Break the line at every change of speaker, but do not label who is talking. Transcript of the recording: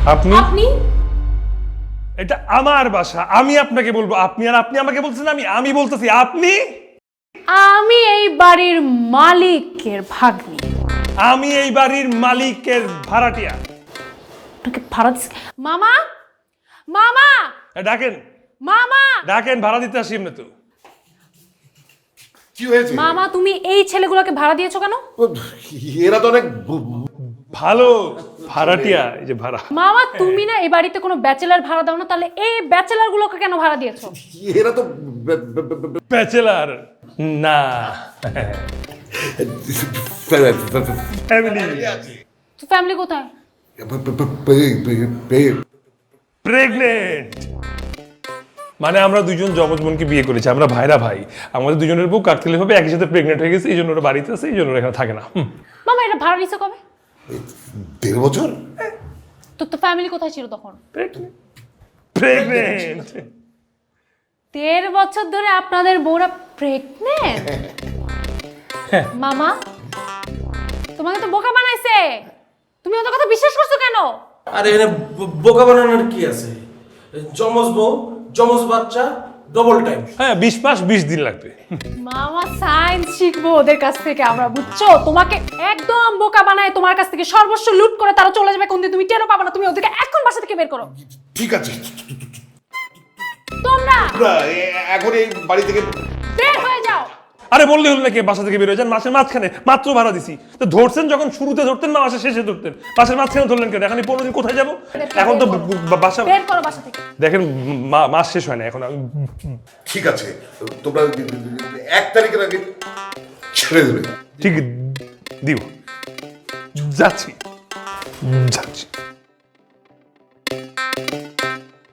আপনি
আপনি
এটা আমার বাসা, আমি আপনাকে বলবো আপনি, আর আপনি আমাকে বলছেন আমি বলতেছি আপনি।
আমি এই বাড়ির মালিকের ভাগ্নি।
আমি এই বাড়ির মালিকের ভাড়াটিয়া।
আপনাকে ভাড়া দিস মামা, মামা,
ডাকেন
মামা,
ডাকেন, ভাড়া দিতে আসি এমনি তো।
কি হয়েছে?
মামা তুমি এই ছেলেগুলোকে ভাড়া দিয়েছো কেন?
এরা তো অনেক
ভালো ভাড়াটিয়া, এই যে ভাড়া।
মামা তুমি না এই বাড়িতে কোনো ব্যাচেলার ভাড়া দাও না, তাহলে এই ব্যাচেলার গুলোকে কেন ভাড়া দিয়েছো?
এরা তো
ব্যাচেলার না, ফ্যামিলি।
তো ফ্যামিলি কোথায়?
প্রেগনেন্ট মানে আমরা দুজন জমজ বোনকে বিয়ে করেছি, আমরা ভাইরা ভাই। আমাদের দুজনের বউ কাকতালীয় ভাবে একই সাথে প্রেগনেন্ট হয়ে গেছে, এই জন্য ওরা বাড়িতে আছে, এই জন্য ওরা এখানে থাকে না।
মামা এটা ভাড়া নিছো কবে?
1.5 বছর।
তো ফ্যামিলি কোথায় ছিল তখন?
প্রেগনেন্ট
1.5 বছর ধরে আপনাদের বউরা প্রেগনেন্ট? মামা তোমাকে তো বোকা বানাইছে, তুমি ওদের কথা বিশ্বাস করছো কেন?
আরে এখানে বোকা বানানোর কি আছে? যমজ বউ, যমজ বাচ্চা, ডবল টাইম।
হ্যাঁ, 20 মাস 20 দিন লাগবে।
মামা সায়েন্স শিখবো ওদের কাছ থেকে আমরা, বুঝছো? তোমাকে একদম বোকা বানায় তোমার কাছ থেকে সর্বস্ব লুট করে তারা চলে যাবে কোনদিন, তুমি টেরও পাবে না। তুমি ওদেরকে এখন বাসা থেকে বের করো।
ঠিক আছে,
তোমরা
এখন এই বাড়ি থেকে
বের হয়ে যাও।
আরে বললে হলো নাকি বাসা থেকে বের হয়ে যান? মাসের মাঝখানে মাত্র ভাড়া দিছি, তো ধরছেন যখন শুরুতে ধরতেন না, মাসের শেষে ধরতেন, মাসের মাঝখানে ধরলেন কেন? এখন 15 দিন কোথায় যাবো? এখন তো বাসা
বের করো বাসা থেকে।
দেখেন, মাস শেষ হয় না এখন।
ঠিক আছে, তোমরা 1 তারিখের আগে ছেড়ে দেবে।
ঠিক দিব, যাচ্ছি যাচ্ছি।